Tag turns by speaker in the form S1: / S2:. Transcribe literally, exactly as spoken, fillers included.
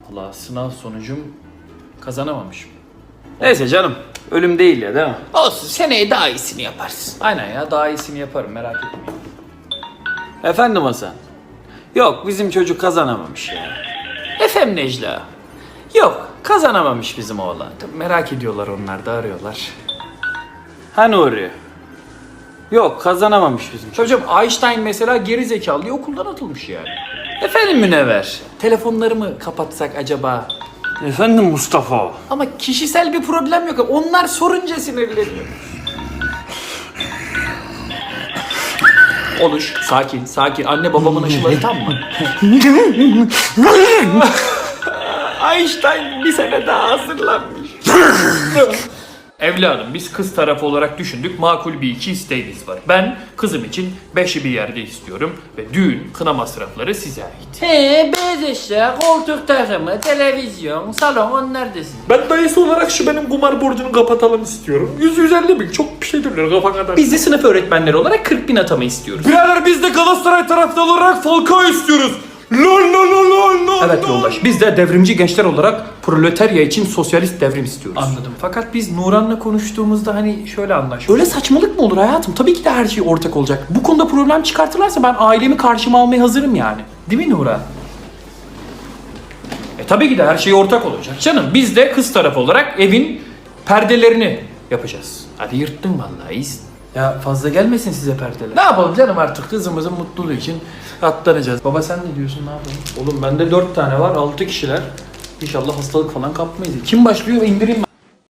S1: Allah, sınav sonucum kazanamamışım.
S2: Neyse canım. Ölüm değil ya, değil mi?
S1: Olsun, seneye daha iyisini yaparsın. Aynen ya, daha iyisini yaparım, merak etmeyin.
S2: Efendim Hasan. Yok, bizim çocuk kazanamamış ya.
S1: Efendim Necla. Yok, kazanamamış bizim oğlan. Tabii merak ediyorlar, onlar da arıyorlar.
S2: Ha Nuri? Yok, kazanamamış bizim çocuk.
S1: Çocuğum, Einstein mesela geri zekalı diye okuldan atılmış yani. Efendim Münevver, telefonları mı kapatsak acaba?
S2: Efendim Mustafa.
S1: Ama kişisel bir problem yok. Onlar sorunca sinirleniyor. Oluş, sakin, sakin. Anne babamın aşıları tam mı? Einstein bir sene daha hazırlanmış. Evladım, biz kız tarafı olarak düşündük, makul bir iki isteğimiz var. Ben kızım için beşi bir yerde istiyorum ve düğün, kına masrafları size ait.
S3: He, beyaz eşya, koltuk takımı, televizyon, salon onlar da sizin.
S4: Ben dayısı olarak şu benim kumar borcunu kapatalım istiyorum. yüz yüz elli bin çok bir şey dönüyor kafa kadar.
S1: Biz de sınıf öğretmenleri olarak kırk bin atama istiyoruz.
S4: Birader biz de Galatasaray taraftarı olarak Falcao istiyoruz. Lol lol lol lol lol.
S1: Evet yoldaş, biz de devrimci gençler olarak proletarya için sosyalist devrim istiyoruz.
S3: Anladım.
S1: Fakat biz Nuran'la konuştuğumuzda hani şöyle anlaştık. Öyle saçmalık mı olur hayatım? Tabii ki de her şey ortak olacak. Bu konuda problem çıkartırlarsa ben ailemi karşıma almaya hazırım yani. Değil mi Nuran? E tabii ki de her şey ortak olacak canım. Biz de kız tarafı olarak evin perdelerini yapacağız. Hadi yırttın vallahi, iyisin. Ya fazla gelmesin size perdeler. Ne yapalım canım, artık kızımızın mutluluğu için katlanacağız. Baba sen ne diyorsun, ne yapalım?
S4: Oğlum bende dört tane var, altı kişiler. İnşallah hastalık falan kapmayız.
S1: Kim başlıyor, indireyim ben.